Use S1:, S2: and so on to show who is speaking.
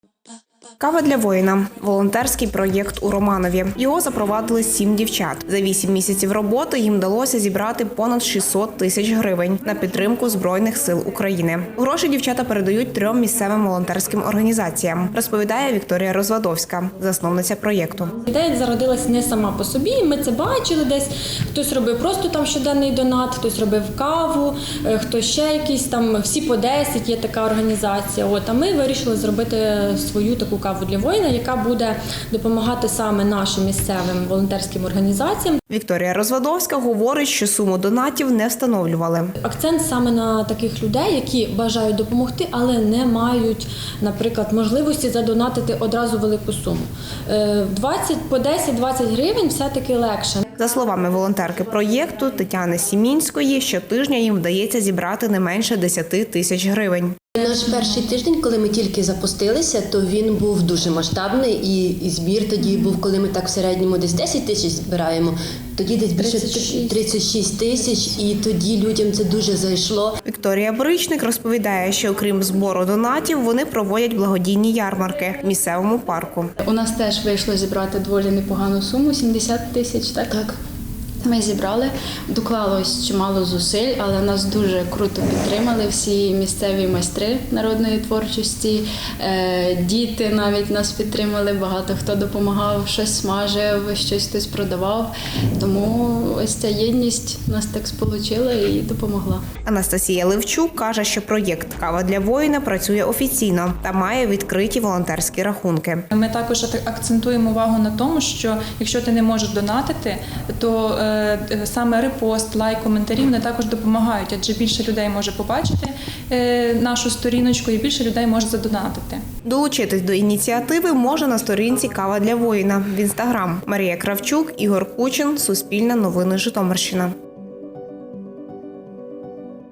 S1: Кава для воїна – волонтерський проєкт у Романові. Його запровадили 7 дівчат. За 8 місяців роботи їм вдалося зібрати понад 600 тисяч гривень на підтримку Збройних сил України. Гроші дівчата передають 3 місцевим волонтерським організаціям, розповідає Вікторія Розвадовська, засновниця проєкту.
S2: Ідея зародилась не сама по собі, ми це бачили десь. Хтось робив просто там щоденний донат, хтось робив каву, хтось ще якийсь там, всі по 10, є така організація. А ми вирішили зробити свою таку каву для воїна, яка буде допомагати саме нашим місцевим волонтерським організаціям.
S1: Вікторія Розвадовська говорить, що суму донатів не встановлювали.
S2: Акцент саме на таких людей, які бажають допомогти, але не мають, наприклад, можливості задонатити одразу велику суму. 10-20 гривень все-таки легше.
S1: За словами волонтерки проєкту Тетяни Сімінської, щотижня їм вдається зібрати не менше 10 тисяч гривень.
S3: Наш перший тиждень, коли ми тільки запустилися, то він був дуже масштабний і збір тоді був, коли ми так в середньому десь 10 тисяч збираємо, тоді десь більше 36 тисяч, і тоді людям це дуже зайшло.
S1: Вікторія Бричник розповідає, що окрім збору донатів, вони проводять благодійні ярмарки в місцевому парку.
S4: У нас теж вийшло зібрати доволі непогану суму – 70 тисяч, так?
S3: Так.
S4: Ми зібрали, доклалось чимало зусиль, але нас дуже круто підтримали всі місцеві майстри народної творчості, діти навіть нас підтримали, багато хто допомагав, щось смажив, щось хтось продавав. Тому ось ця єдність нас так сполучила і допомогла.
S1: Анастасія Левчук каже, що проєкт «Кава для воїна» працює офіційно та має відкриті волонтерські рахунки.
S5: Ми також акцентуємо увагу на тому, що якщо ти не можеш донатити, то саме репост, лайк, коментарі вони також допомагають, адже більше людей може побачити нашу сторіночку і більше людей може задонатити.
S1: Долучитись до ініціативи може на сторінці «Кава для воїна» в Інстаграм. Марія Кравчук, Ігор Кучин, Суспільне новини Житомирщина.